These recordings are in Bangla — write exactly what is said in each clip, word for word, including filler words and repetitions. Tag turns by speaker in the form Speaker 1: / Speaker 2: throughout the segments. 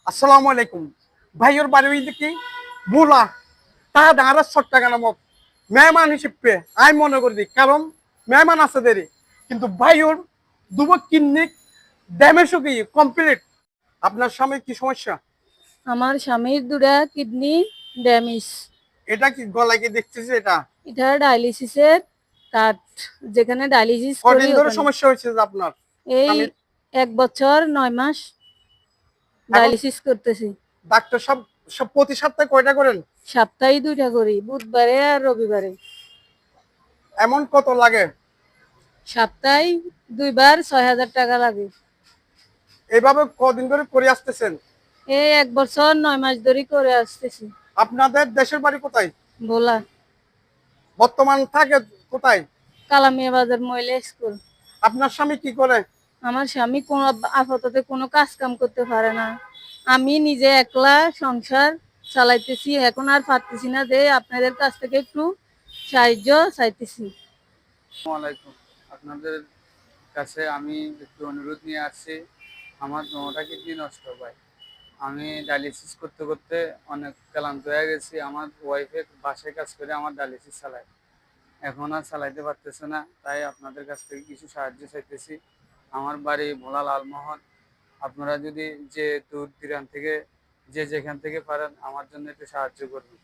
Speaker 1: আসসালামু আলাইকুম ভাইয়ের বাড়ি দেখি বুলা তা ডাঙার সট্টাকা নামক মেহমান হিসেবে আমি মনে করি কারণ মেহমান আছে দেরি কিন্তু ভাইয়ের দুবো কিডনি ড্যামেজ কি কমপ্লিট। আপনার স্বামীর কি সমস্যা?
Speaker 2: আমার স্বামীর দুটা কিডনি ড্যামেজ।
Speaker 1: এটা কি গলায় কি দেখতেছে? এটা
Speaker 2: এটা ডায়ালিসিসের কার্ড, যেখানে ডায়ালিসিস করি
Speaker 1: কদিন ধরে
Speaker 2: ওখানে।
Speaker 1: সমস্যা হয়েছে যে আপনার
Speaker 2: এই
Speaker 1: স্বামীর?
Speaker 2: এক বছর নয় মাস
Speaker 1: এখন
Speaker 2: ডায়ালিসিস করতেছি।
Speaker 1: ডাক্তার সব সব প্রতি সপ্তাহে কয়টা করেন?
Speaker 2: সপ্তাহে দুইটা করি, বুধবারে আর রবিবারে।
Speaker 1: এমন কত লাগে?
Speaker 2: সপ্তাহে দুইবার ছয় হাজার টাকা লাগে।
Speaker 1: এইভাবে কদিন ধরে করে আসতেছেন?
Speaker 2: এই এক বছর নয় মাস ধরে করে আসতেছি।
Speaker 1: আপনাদের দেশের বাড়ি কোথায়?
Speaker 2: বলা
Speaker 1: বর্তমান থাকে কোথায়?
Speaker 2: কালামিয়া বাজার মহিলা স্কুল।
Speaker 1: আপনার স্বামী কি করে?
Speaker 2: আমার স্বামী কোনো আপাতত কোনো কাজ কাম করতে পারে না। আমি নিজে একলা সংসার চালাইতেছি, এখন আর পারতেছি না, যে আপনাদের কাছ থেকে একটু সাহায্য চাইতেছি।
Speaker 3: আসসালামু আলাইকুম। আপনাদের কাছে আমি একটু অনুরোধ নিয়ে আসছি। আমার দোনোটা কিডনি নষ্ট ভাই। আমি ডায়ালিসিস করতে করতে অনেক ক্লান্ত হয়ে গেছি। আমার ওয়াইফে বাসায় কাজ করে আমার ডায়ালিসিস চালায়, এখন আর চালাইতে পারতেছে না, তাই আপনাদের কাছ থেকে কিছু সাহায্য চাইতেছি। আমার বাড়ি ভোলা লালমোহন। আপনারা যদি যে দূর দূরান্ত থেকে যে যেখান থেকে পারেন আমার জন্য একটু সাহায্য করবেন।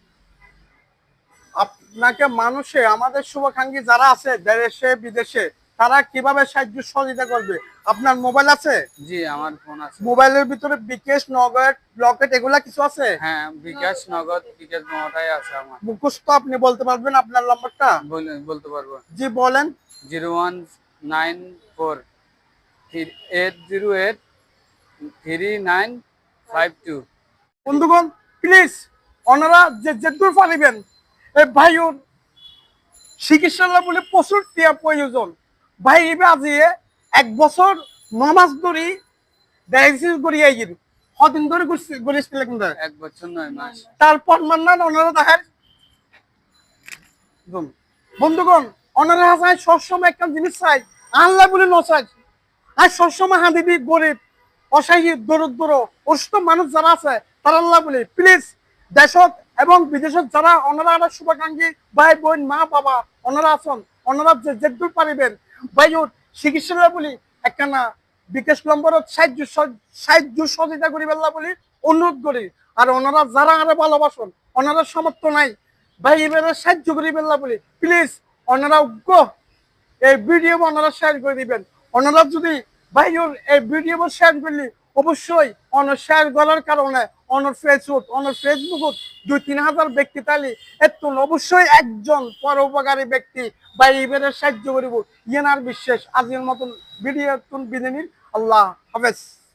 Speaker 1: আপনাকে মানুষে আমাদের শুভাকাঙ্ক্ষী যারা আছে দেশে বিদেশে তারা কিভাবে সাহায্য সহযোগিতা করবে? আপনার মোবাইল আছে?
Speaker 3: জি, আমার ফোন আছে।
Speaker 1: মোবাইলের ভিতরে বিকাশ নগদ ব্লকেট এগুলা কিছু আছে?
Speaker 3: হ্যাঁ, বিকাশ নগদ বিকাশ দোনোটাই আছে আমার।
Speaker 1: মুখস্থ আপনি বলতে পারবেন আপনার নাম্বারটা?
Speaker 3: বলে- বলতে পারবো।
Speaker 1: জি বলেন।
Speaker 3: Zero one nine four eight zero eight three nine five two.
Speaker 1: বন্ধুগণ প্লিজ ওনারা যে যেদূর পারিবেন এই ভাইউর চিকিৎসালয় বলে প্রচুর টিয়া প্রয়োজন। ভাই এবে আজিয়ে এক বছর নমাস ধরে ডায়ালিসিস করিয়ে গিয়ে কদিন ধরে করেছিল কিন্তু
Speaker 3: এক বছর নয় মাস।
Speaker 1: তারপর মান্নান ওনারা দেখার বন্ধুগণ ওনারা হাসায় সবসময় একটা জিনিস চাই আল্লাহ বলে নচাই আর সবসময় হাঁদি দি গরিব অসহায় দরিদ্র অসুস্থ মানুষ যারা আছে তারা আল্লাহ বলে প্লিজ দেশত এবং বিদেশত যারা ওনারা আমার শুভাকাঙ্ক্ষী ভাই বোন মা বাবা ওনারা আছেন ওনারা যে যেদূর পারিবেন ভাইও চিকিৎসালয় বলি একখানা বিকাশ নম্বরত সাহায্য সাহায্য সহযোগিতা করি বেলা বলি অনুরোধ করি। আর ওনারা যারা আরে ভালোবাসন ওনারা সমর্থ নাই ভাই এবারে সাহায্য করি বেলা বলি প্লিজ ওনারা উগ্র এই ভিডিও ওনারা শেয়ার করে দিবেন। ওনারা যদি ভাইওর এই ভিডিও শেয়ার করলে অবশ্যই অনার শেয়ার করার কারণে অনার ফেসবুক অনার ফেসবুকত দুই তিন হাজার ব্যক্তি তালি এত অবশ্যই একজন পরোপকারী ব্যক্তি বা এবারে সাহায্য করিব ইয়েনার বিশ্বাস। আজকের মতন ভিডিও বিদায় নিন। আল্লাহ হাফেজ।